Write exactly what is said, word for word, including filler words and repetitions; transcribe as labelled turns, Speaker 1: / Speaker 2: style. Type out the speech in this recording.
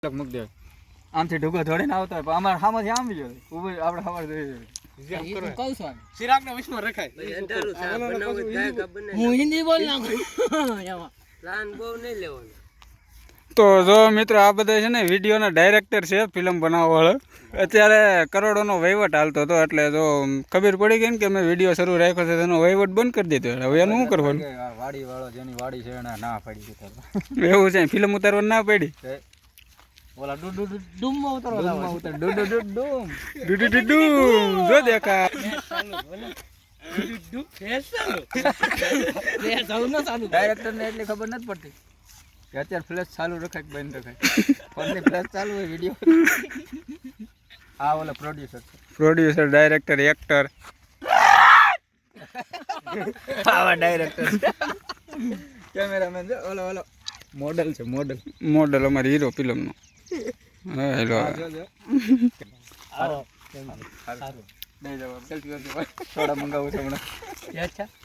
Speaker 1: મૂક દે આમથી ઢુકો થોડીને આવતો હોય પણ અમારે સામેથી આમ ગયો ઉભી આપણે ખબર જોઈએ કહું છું ચિરાગ ને વિશ્વ રખાય હું હિન્દી બોલ નાખું પ્લાન બહુ નહીં લેવાનો। તો જો મિત્રો આ બધા છે ને વિડીયોના ડાયરેક્ટર છે ફિલ્મ બનાવવા વાળો અત્યારે કરોડોનો વહીવટ હાલતો હતો એટલે જો ખબર પડી ગઈ ને કે મેં વિડીયો શરૂ રાખ્યો છે તેનો વહીવટ બંધ કરી દીધો હવે એનું શું કરવાનું વાડી વાળો જેની વાડી છે એને ના પાડી દીધો એવું છે ફિલ્મ ઉતારવા ના પડી ઓલા ડુ ડુ ડૂમ માં ઉતારવા ડૂમ ઉતાર ડુ ડુ ડુ ડૂમ ડુ ડુ ડુ ડૂમ જો દેખા ડુ ફેસ ચાલુ લે જાવ ન ચાલુ ડાયરેક્ટર ને એટલી ખબર નથી પડતી કે અત્યારે ફ્લેશ ચાલુ રખાય કે બંધ રખાય ફોનની ફ્લેશ ચાલુ હોય વિડિયો આ ઓલા પ્રોડ્યુસર પ્રોડ્યુસર ડાયરેક્ટર એક્ટર આવા ડાયરેક્ટર કેમેરામેન જો ઓલો ઓલો મોડલ છે મોડલ મોડલ અમારી હીરો ફિલ્મનો હા હેલો આવો સારું નહીં જવાબ સેલ્ફી કરજો થોડા મંગાવું છે હમણાં અચ્છા